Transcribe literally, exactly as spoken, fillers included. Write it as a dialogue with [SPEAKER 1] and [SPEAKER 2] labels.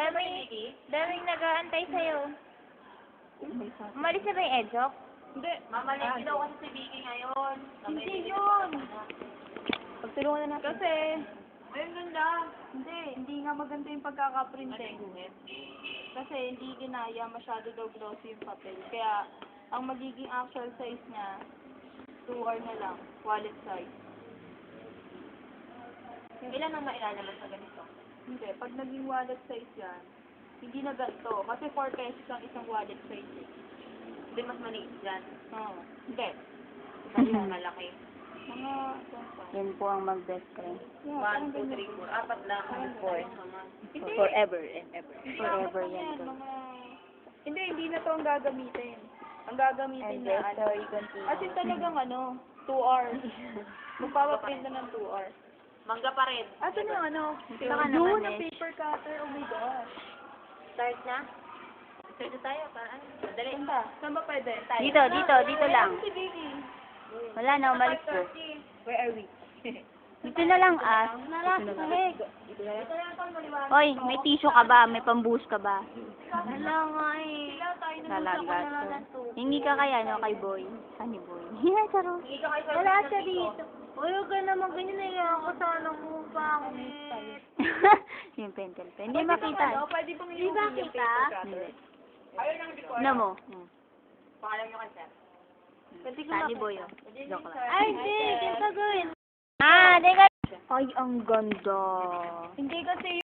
[SPEAKER 1] Dami, daming nag-aantay sa'yo. Umalis na ba yung Edzok?
[SPEAKER 2] Hindi.
[SPEAKER 3] Mamalengke daw kasi si Vicky ngayon.
[SPEAKER 2] Hindi yun.
[SPEAKER 1] Pagtulungan na natin.
[SPEAKER 2] Kasi,
[SPEAKER 3] Ayun, ganda.
[SPEAKER 2] hindi. Hindi nga maganda yung pagkakaprinting. Kasi hindi ginaya, masyado daw glossy yung papel. Kaya, ang magiging actual size niya, two R na lang, wallet size.
[SPEAKER 3] Ilan ang mailalabas sa ganito?
[SPEAKER 2] Hindi, pag naging wallet size yan, hindi na ganito. Kasi four pesos ang isang wallet size. eh.
[SPEAKER 3] Hindi mas maliit dyan.
[SPEAKER 2] Oo. Hindi.
[SPEAKER 3] Kasi malaki.
[SPEAKER 2] Mga,
[SPEAKER 1] Yan po ang mag-best friend.
[SPEAKER 2] yeah,
[SPEAKER 3] One,
[SPEAKER 2] parang
[SPEAKER 3] two,
[SPEAKER 2] ganyan.
[SPEAKER 3] three, four. Apat lang.
[SPEAKER 1] Four.
[SPEAKER 2] Hindi.
[SPEAKER 1] Forever and ever.
[SPEAKER 2] Hindi,
[SPEAKER 1] Forever
[SPEAKER 2] apat na
[SPEAKER 1] yan to.
[SPEAKER 2] Mga... Hindi, hindi na to ang gagamitin. Ang gagamitin
[SPEAKER 1] And
[SPEAKER 2] na,
[SPEAKER 1] the
[SPEAKER 2] ano,
[SPEAKER 1] story continues.
[SPEAKER 2] as in talagang ano, two hours. Magpapaprint na ng two hours.
[SPEAKER 3] Mangga pa rin.
[SPEAKER 2] Ato na yung ano,
[SPEAKER 1] Baka
[SPEAKER 2] doon
[SPEAKER 1] naman
[SPEAKER 2] ang
[SPEAKER 1] eh.
[SPEAKER 2] paper cutter, oh my gosh.
[SPEAKER 3] Start na? Start na tayo. Para ano? Madali.
[SPEAKER 2] Saan ba? Saan ba pwede? Tayo.
[SPEAKER 1] Dito, dito, dito lang.
[SPEAKER 2] Si Vicky.
[SPEAKER 1] Wala na, umalis po.
[SPEAKER 2] Where are we?
[SPEAKER 1] Dito na lang, ah.
[SPEAKER 2] Nalak, sahig.
[SPEAKER 1] Hoy, may tissue ka ba? May pambuhos ka ba?
[SPEAKER 2] Wala nga eh.
[SPEAKER 1] Talaga to. Hingi ka kaya, no, kay Boy. Sunny Boy. Yeah, charo.
[SPEAKER 2] Wala siya dito. Uy, huwag ka naman ganyan na yan ako sa ano mo. Bakit?
[SPEAKER 1] Yung pentel pen. Hindi makita.
[SPEAKER 2] Ano, pwede bang
[SPEAKER 1] Hindi
[SPEAKER 2] yung
[SPEAKER 1] makita?
[SPEAKER 2] paper cutter?
[SPEAKER 1] Hindi. Ano mo? Hmm.
[SPEAKER 3] Pangalan nyo kasi.
[SPEAKER 2] Pwede ko
[SPEAKER 1] Sunny
[SPEAKER 2] makita.
[SPEAKER 1] Boy, oh. Joke lang.
[SPEAKER 2] Ay, hindi. Hindi ka gawin.
[SPEAKER 1] Ah, teka. Ay, ang ganda.
[SPEAKER 2] Hindi kasi